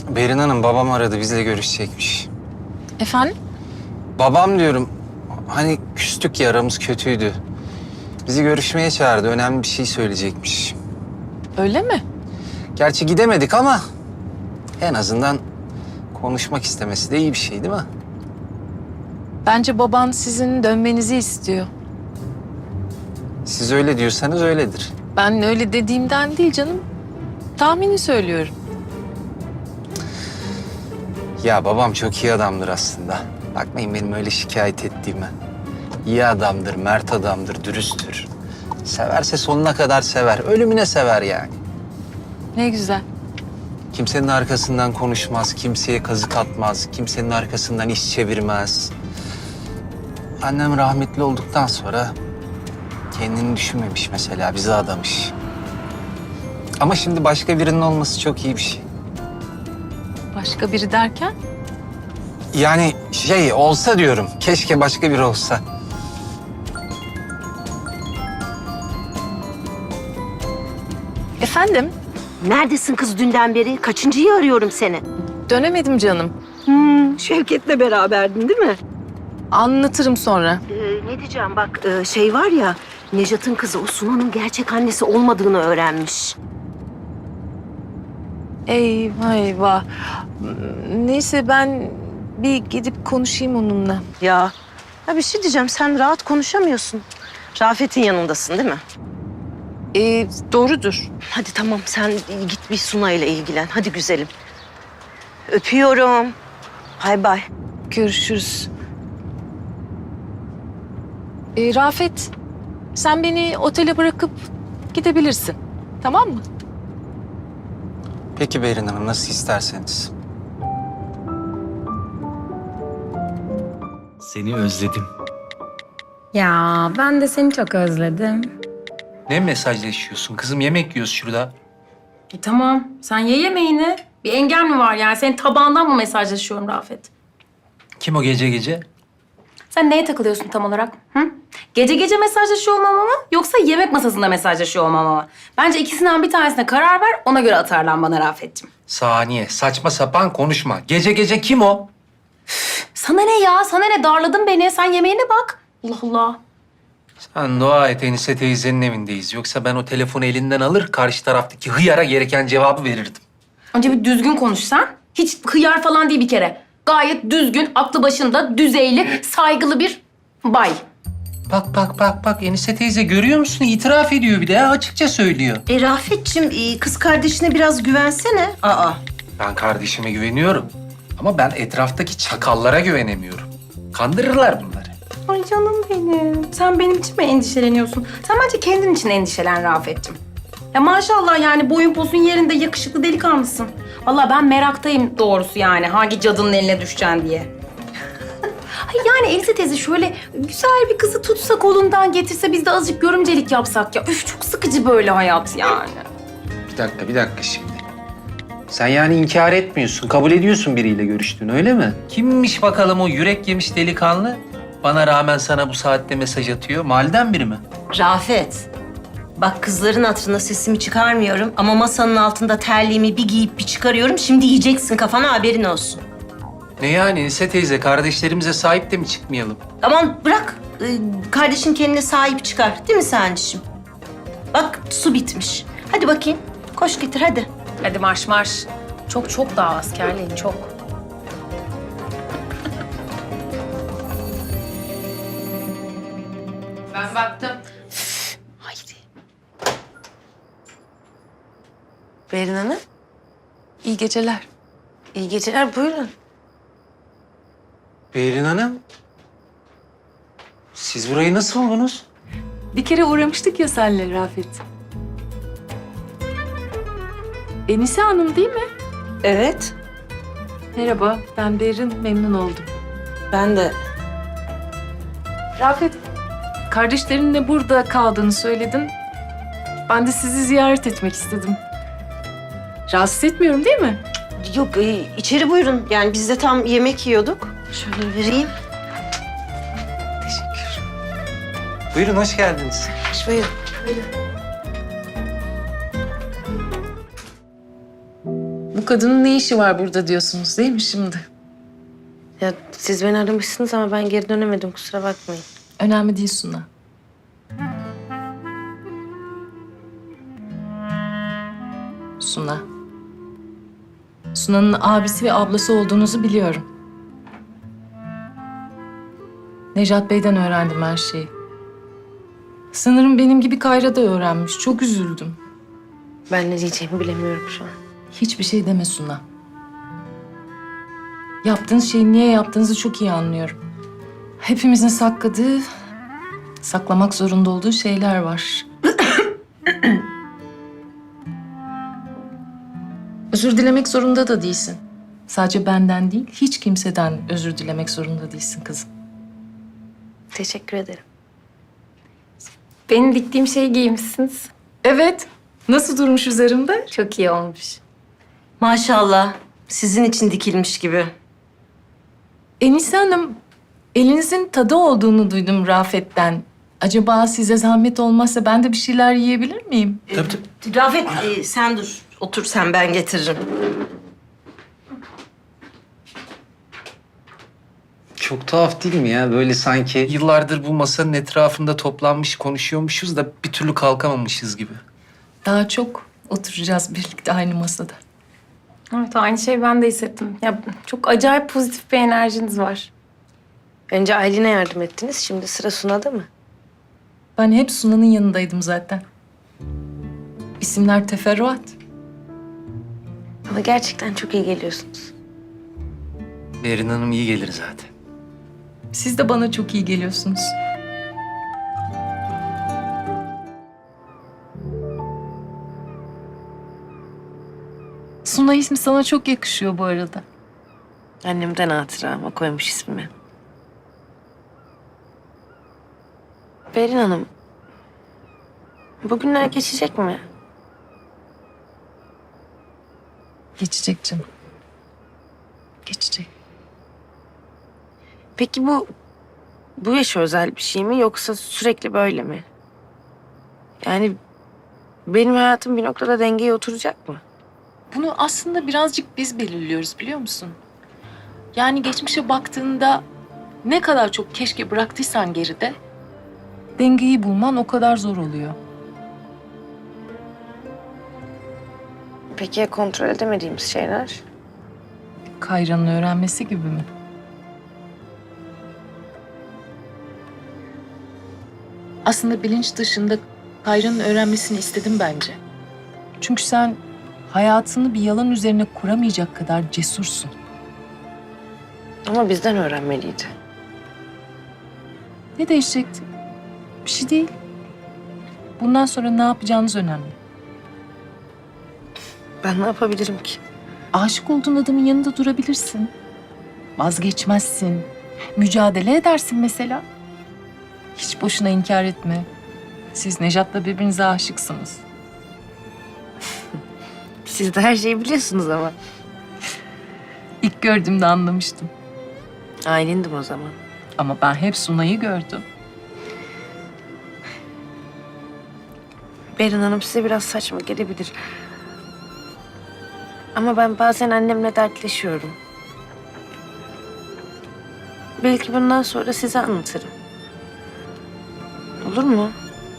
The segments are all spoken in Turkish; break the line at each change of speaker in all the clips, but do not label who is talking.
Berin Hanım, babam aradı, bizle görüşecekmiş.
Efendim?
Babam diyorum, hani küstük ya, aramız kötüydü. Bizi görüşmeye çağırdı, önemli bir şey söyleyecekmiş.
Öyle mi?
Gerçi gidemedik ama en azından konuşmak istemesi de iyi bir şey değil mi?
Bence baban sizin dönmenizi istiyor.
Siz öyle diyorsanız öyledir.
Ben öyle dediğimden değil canım. Tahmini söylüyorum.
Ya babam çok iyi adamdır aslında. Bakmayın benim öyle şikayet ettiğime. İyi adamdır, mert adamdır, dürüsttür. Severse sonuna kadar sever, ölümüne sever yani.
Ne güzel.
Kimsenin arkasından konuşmaz, kimseye kazık atmaz, kimsenin arkasından iş çevirmez. Annem rahmetli olduktan sonra kendini düşünmemiş mesela, bizi adamış. Ama şimdi başka birinin olması çok iyi bir şey.
Başka biri derken?
Yani olsa diyorum, keşke başka biri olsa.
Efendim?
Neredesin kız dünden beri? Kaçıncıyı arıyorum seni?
Dönemedim canım.
Şevket'le beraberdin değil mi?
Anlatırım sonra.
Ne diyeceğim bak şey var ya... Nejat'ın kızı o Sunan'ın gerçek annesi olmadığını öğrenmiş.
Eyvah eyvah. Neyse ben bir gidip konuşayım onunla.
Ya bir şey diyeceğim, sen rahat konuşamıyorsun. Rafet'in yanındasın değil mi?
Doğrudur.
Hadi tamam, sen git bir Sunay'la ilgilen. Hadi güzelim. Öpüyorum. Bay bay.
Görüşürüz. Rafet, sen beni otele bırakıp gidebilirsin. Tamam mı?
Peki Berin Hanım, nasıl isterseniz.
Seni özledim.
Ya ben de seni çok özledim.
Ne mesajlaşıyorsun kızım? Yemek yiyoruz şurada.
Tamam, sen ye yemeğini. Bir engel mi var yani? Senin tabağından mı mesajlaşıyorum Rafet?
Kim o gece gece?
Sen neye takılıyorsun tam olarak? Hı? Gece gece mesajlaşıyor olmama mı? Yoksa yemek masasında mesajlaşıyor olmama mı? Bence ikisinden bir tanesine karar ver, ona göre atarlan bana Rafet'ciğim.
Saniye, saçma sapan konuşma. Gece gece kim o?
Sana ne ya? Sana ne? Darladın beni. Sen yemeğine bak. Allah Allah.
Sen dua et, Enise teyzenin evindeyiz. Yoksa ben o telefonu elinden alır, karşı taraftaki hıyara gereken cevabı verirdim.
Önce bir düzgün konuş sen. Hiç hıyar falan değil bir kere. Gayet düzgün, aklı başında, düzeyli, saygılı bir bay.
Bak. Enise teyze görüyor musun? İtiraf ediyor bir de ya, açıkça söylüyor.
Rafet'ciğim kız kardeşine biraz güvensene. Aa.
Ben kardeşime güveniyorum. Ama ben etraftaki çakallara güvenemiyorum. Kandırırlar bunları.
Ay canım benim. Sen benim için mi endişeleniyorsun? Sen bence kendin için endişelen Rafet'ciğim. Ya maşallah yani boyun posun yerinde yakışıklı delikanlısın. Vallahi ben meraktayım doğrusu yani hangi cadının eline düşeceksin diye. Ay yani Elise teyze şöyle güzel bir kızı tutsa kolundan getirse biz de azıcık görümcelik yapsak ya. Üf çok sıkıcı böyle hayat yani.
Bir dakika şimdi. Sen yani inkar etmiyorsun, kabul ediyorsun biriyle görüştüğünü, öyle mi?
Kimmiş bakalım o yürek yemiş delikanlı? Bana rağmen sana bu saatte mesaj atıyor. Mahalleden biri mi?
Rafet, bak kızların hatırına sesimi çıkarmıyorum ama masanın altında terliğimi bir giyip bir çıkarıyorum. Şimdi yiyeceksin kafana, haberin olsun.
Ne yani Enise teyze? Kardeşlerimize sahip de mi çıkmayalım?
Aman bırak, kardeşin kendine sahip çıkar değil mi Sancı'cığım? Bak su bitmiş. Hadi bakayım, koş getir hadi.
Hadi marş marş. Çok daha askerliğin çok. Ben baktım.
Haydi.
Berin Hanım, iyi geceler.
İyi geceler, buyurun.
Berin Hanım, siz burayı nasıl buldunuz?
Bir kere uğramıştık ya senle Rafet. Enise Hanım değil mi?
Evet,
Merhaba, ben Berin, memnun oldum.
ben de.
Rafet, kardeşlerinle burada kaldığını söyledin. Ben de sizi ziyaret etmek istedim. Rahatsız etmiyorum değil mi?
Yok, içeri buyurun. Yani biz de tam yemek yiyorduk. Şöyle vereyim.
Teşekkür.
Buyurun, hoş geldiniz.
Buyurun.
kadının ne işi var burada diyorsunuz değil mi şimdi?
Ya siz beni aramışsınız ama ben geri dönemedim, kusura bakmayın.
Önemli değil Suna. Suna. Suna'nın abisi ve ablası olduğunuzu biliyorum. Nejat Bey'den öğrendim her şeyi. Sanırım benim gibi Kayra da öğrenmiş. Çok üzüldüm.
Ben ne diyeceğimi bilemiyorum şu an.
Hiçbir şey deme Suna. Yaptığınız şeyi niye yaptığınızı çok iyi anlıyorum. Hepimizin sakladığı, saklamak zorunda olduğu şeyler var. Özür dilemek zorunda da değilsin. Sadece benden değil, hiç kimseden özür dilemek zorunda değilsin kızım.
Teşekkür ederim.
Benim diktiğim şeyi giymişsiniz.
Evet. Nasıl durmuş üzerimde?
Çok iyi olmuş.
Maşallah, sizin için dikilmiş gibi.
Enise Hanım, elinizin tadı olduğunu duydum Rafet'ten. Acaba size zahmet olmazsa ben de bir şeyler yiyebilir miyim?
Tabii tabii.
Rafet, sen dur. Otur sen, ben getiririm.
Çok tuhaf değil mi ya? Böyle sanki
Yıllardır bu masanın etrafında toplanmış konuşuyormuşuz da bir türlü kalkamamışız gibi.
Daha çok oturacağız birlikte aynı masada.
Evet, aynı şeyi ben de hissettim. Ya çok acayip pozitif bir enerjiniz var.
Önce Aylin'e yardım ettiniz, şimdi sıra Suna'da mı?
Ben hep Suna'nın yanındaydım zaten. İsimler teferruat.
Ama gerçekten çok iyi geliyorsunuz.
Berin Hanım iyi gelir zaten.
Siz de bana çok iyi geliyorsunuz. Suna ismi sana çok yakışıyor bu arada.
Annemden hatıra ama koymuş ismimi. Berin Hanım, bugünler geçecek mi?
Geçecek canım. Geçecek.
Peki bu yaşa özel bir şey mi yoksa sürekli böyle mi? Yani benim hayatım bir noktada dengeye oturacak mı?
Bunu aslında birazcık biz belirliyoruz biliyor musun? Yani geçmişe baktığında ne kadar çok keşke bıraktıysan geride, dengeyi bulman o kadar zor oluyor.
Peki ya kontrol edemediğimiz şeyler?
Kayra'nın öğrenmesi gibi mi? Aslında bilinç dışında Kayra'nın öğrenmesini istedim bence. Çünkü sen hayatını bir yalan üzerine kuramayacak kadar cesursun.
Ama bizden öğrenmeliydi.
Ne değişecekti? Bir şey değil. Bundan sonra ne yapacağınız önemli.
Ben ne yapabilirim ki?
Aşık olduğun adamın yanında durabilirsin. Vazgeçmezsin. Mücadele edersin mesela. Hiç boşuna inkar etme. Siz Nejat'la birbirinize aşıksınız.
Siz de her şeyi biliyorsunuz ama.
İlk gördüğümde anlamıştım.
Aylin'dim o zaman.
Ama ben hep Suna'yı gördüm.
Berin Hanım size biraz saçma gelebilir. Ama ben bazen annemle dertleşiyorum. Belki bundan sonra size anlatırım. Olur mu?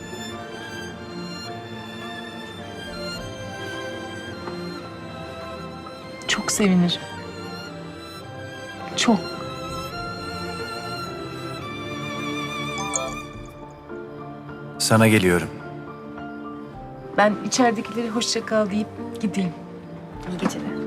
Çok sevinirim. Çok.
Sana geliyorum.
Ben içeridekileri hoşça kal deyip gideyim.
İyi geceler.